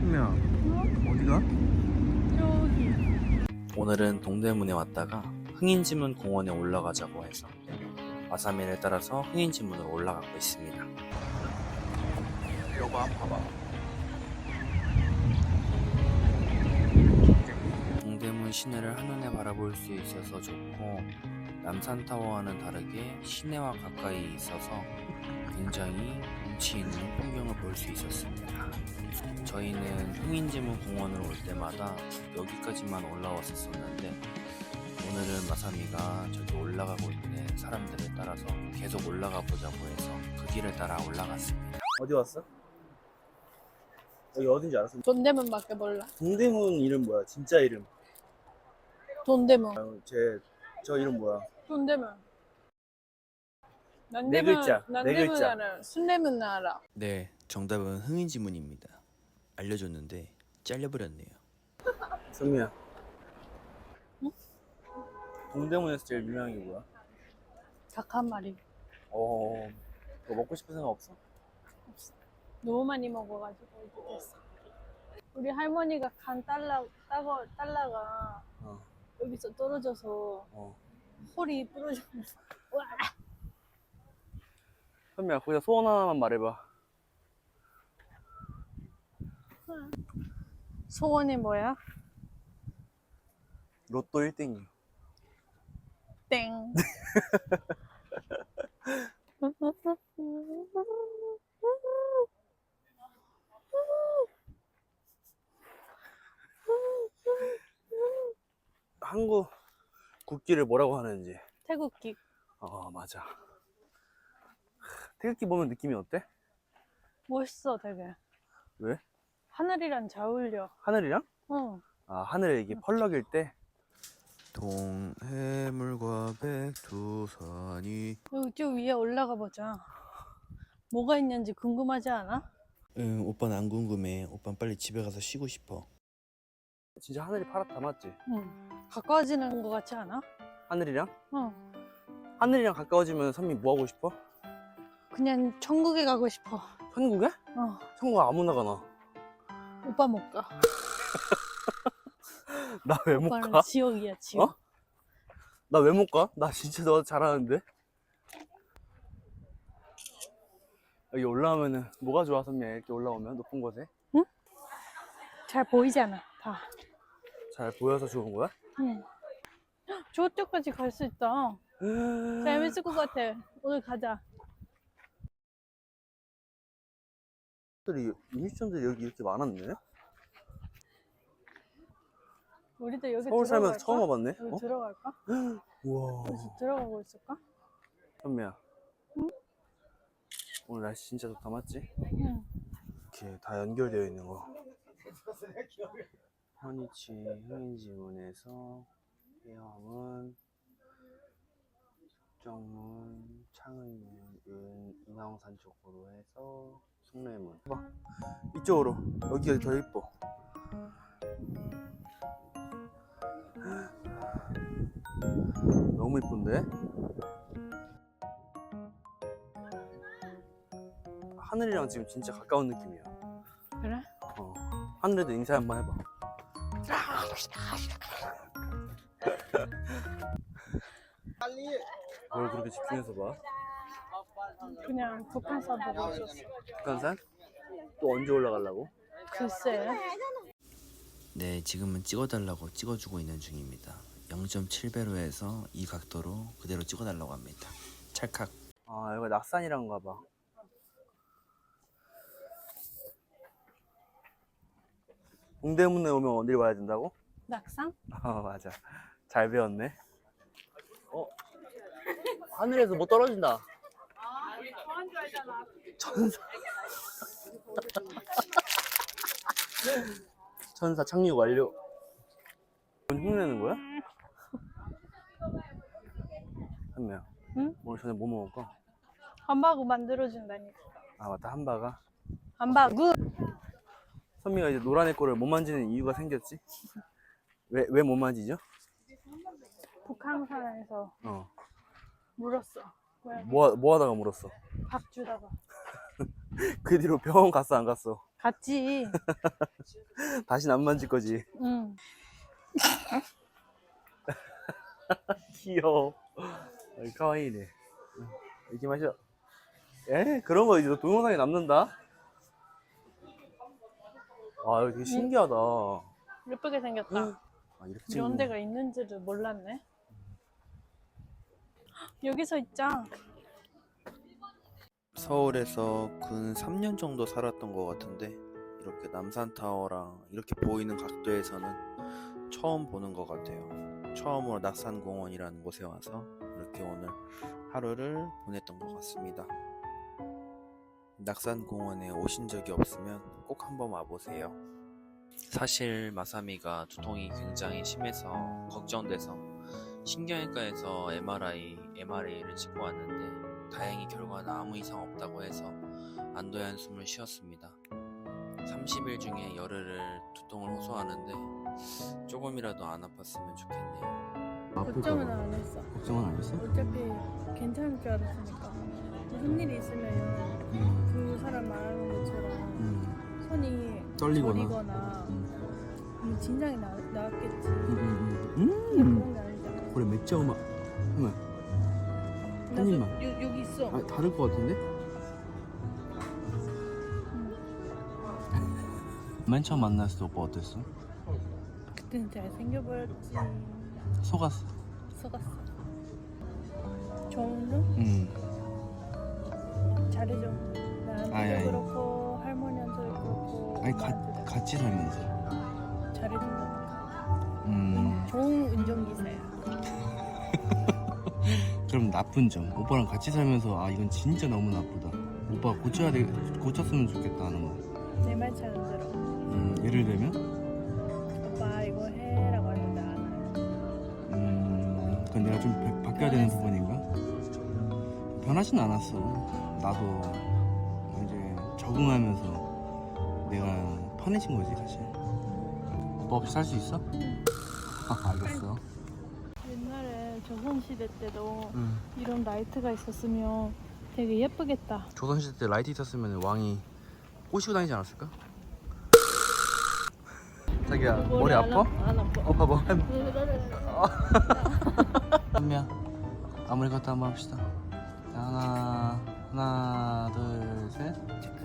선미야, 어디가? 저기. 오늘은 동대문에 왔다가 흥인지문 공원에 올라가자고 해서 와사미를 따라서 흥인지문으로 올라가고 있습니다. 이거 한번 봐봐. 동대문 시내를 한눈에 바라볼 수 있어서 좋고, 남산타워와는 다르게 시내와 가까이 있어서 굉장히 운치 있는 풍경을 볼 수 있었습니다. 저희는 흥인지문 공원을 올 때마다 여기까지만 올라왔었는데, 오늘은 마사미가 저기 올라가고 있는 사람들을 따라서 계속 올라가 보자고 해서 그 길을 따라 올라갔습니다. 어디 왔어? 여기 어딘지 알았어? 돈대문밖에 몰라. 동대문 이름 뭐야? 진짜 이름? 돈대문. 저 이름 뭐야? 돈대문. 네 글자, 네 난대문 글자. 알아. 순대문 알아. 네, 정답은 흥인지문입니다. 알려줬는데 잘려버렸네요. 선미야. 응? 동대문에서 제일 유명한 게 뭐야? 닭 한 마리. 그거 먹고 싶은 생각 없어? 너무 많이 먹어가지고 이제 됐어. 우리 할머니가 간 딸라가 어. 여기서 떨어져서 홀이 부러졌어. 와. 선미야, 거기다 소원 하나만 말해봐. 소원이 뭐야? 로또 1등이요. 땡. 한국 국기를 뭐라고 하는지. 태국기. 맞아. 태극기 보면 느낌이 어때? 멋있어 되게. 왜? 하늘이랑 잘 어울려. 하늘이랑? 응. 하늘에 이게 펄럭일 때. 동해물과 백두산이. 여기 저 위에 올라가 보자. 뭐가 있는지 궁금하지 않아? 응, 오빠는 안 궁금해. 오빠는 빨리 집에 가서 쉬고 싶어. 진짜 하늘이 파랗다, 맞지? 응. 가까워지는 것 같지 않아? 하늘이랑? 응. 하늘이랑 가까워지면 선미 뭐 하고 싶어? 그냥 천국에 가고 싶어. 천국에? 어. 천국 아무나 가나. 오빠 못 가. 나 왜 못 오빠는 가? 지옥이야, 지옥. 나 왜 못 가? 나 진짜 너 잘하는데? 여기 올라오면은 뭐가 좋아, 선미? 이렇게 올라오면 높은 곳에? 잘 보이잖아, 다. 잘 보여서 좋은 거야? 응. 저쪽까지 갈 수 있다. 재밌을 것 같아. 오늘 가자. 미션들이 여기 이렇게 많았네? 우리도 여기 서울 살면서 들어갈까? 처음 와봤네? 여기 들어갈까? 우와. 여기 들어가고 있을까? 선미야. 응? 오늘 날씨 진짜 좋다, 맞지? 응. 이렇게 다 연결되어 있는 거. 현이치 흥인지문에서 해화문, 숙정문, 창의문, 인왕산 쪽으로 해서 숭례문. 봐, 이쪽으로. 여기가 더 예뻐. 너무 이쁜데? 하늘이랑 지금 진짜 가까운 느낌이야. 그래? 하늘에도 인사 한번 해봐. 뭘 그렇게 집중해서 봐? 그냥 북한산 보고 있었어. 북한산? 또 언제 올라가려고? 글쎄. 네, 지금은 찍어달라고 찍어주고 있는 중입니다. 0.7배로 해서 이 각도로 그대로 찍어달라고 합니다. 찰칵. 여기가 낙산이란가 봐. 동대문에 오면 어딜 와야 된다고? 낙산? 맞아. 잘 배웠네. 하늘에서 뭐 떨어진다. 우리 좋아한 줄 알잖아. 천사. 천사 착륙 완료. 흉내내는 거야? 한미야. 응? 오늘 저녁 뭐 먹을까? 함바구 만들어준다니까. 맞다, 함바가. 함바구? 선미가 이제 노란 애 거를 못 만지는 이유가 생겼지? 왜 못 만지죠? 북한산에서 물었어. 뭐 하다가 물었어? 밥 주다가. 그 뒤로 병원 갔어, 안 갔어? 같지. 다시는 안 만질 거지. 응. 귀여워. 카와이네. 이렇게 마셔. 에? 그런 거 이제 동영상에 남는다? 아, 이거 되게 신기하다. 예쁘게 생겼다. 아, 이렇게 이런 찍는 데가 있는지를 몰랐네. 여기서 있자. 서울에서 근 3년 정도 살았던 것 같은데 이렇게 남산타워랑 이렇게 보이는 각도에서는 처음 보는 것 같아요. 처음으로 낙산공원이라는 곳에 와서 이렇게 오늘 하루를 보냈던 것 같습니다. 낙산공원에 오신 적이 없으면 꼭 한번 와보세요. 사실 마사미가 두통이 굉장히 심해서 걱정돼서 신경외과에서 MRI를 찍고 왔는데 다행히 결과는 아무 이상 없다고 해서 안도의 한숨을 쉬었습니다. 30일 중에 열흘을 두통을 호소하는데 조금이라도 안 아팠으면 좋겠네요. 걱정은 안 했어. 걱정은 안 했어? 어차피 괜찮을 줄 알았으니까. 무슨 일이 있으면 그 사람 말하는 것처럼 손이 떨리거나. 저리거나 진작에 나왔겠지. 음. 그런 게 아니잖아. 그래, 맥주 음악. 한번. 한 입만. 여기 있어. 아, 다를 것 같은데? 맨 처음 만났을 때 오빠 어땠어? 그때는 잘생겨 보였지. 속았어. 속았어. 좋은 놈? 응. 잘해줘. 나한테도 아이, 아이. 그렇고 할머니한테도 그렇고. 아니, 엄마한테도 같이 살면서. 잘해준다니까. 좋은 운전기사야. 그럼 나쁜 점. 오빠랑 같이 살면서 아, 이건 진짜 너무 나쁘다. 오빠 고쳤으면 좋겠다 하는 거. 내 말 잘 안 들어. 예를 들면? 오빠 이거 해라고 하는데 안 해. 그건 내가 좀 바뀌어야 되는 부분인가? 변하진 않았어. 나도 이제 적응하면서 내가 편해진 거지, 사실. 오빠 없이 살 수 있어? 알겠어. 옛날에 조선시대 때도 응. 이런 라이트가 있었으면 되게 예쁘겠다. 조선시대 때 라이트 있었으면 왕이 꼬시고 다니지 않았을까? 자기야, 머리 아파? 안 아파. 봐봐. 한미야, 아무리 갔다 한번 합시다. 자, 하나, 둘, 셋.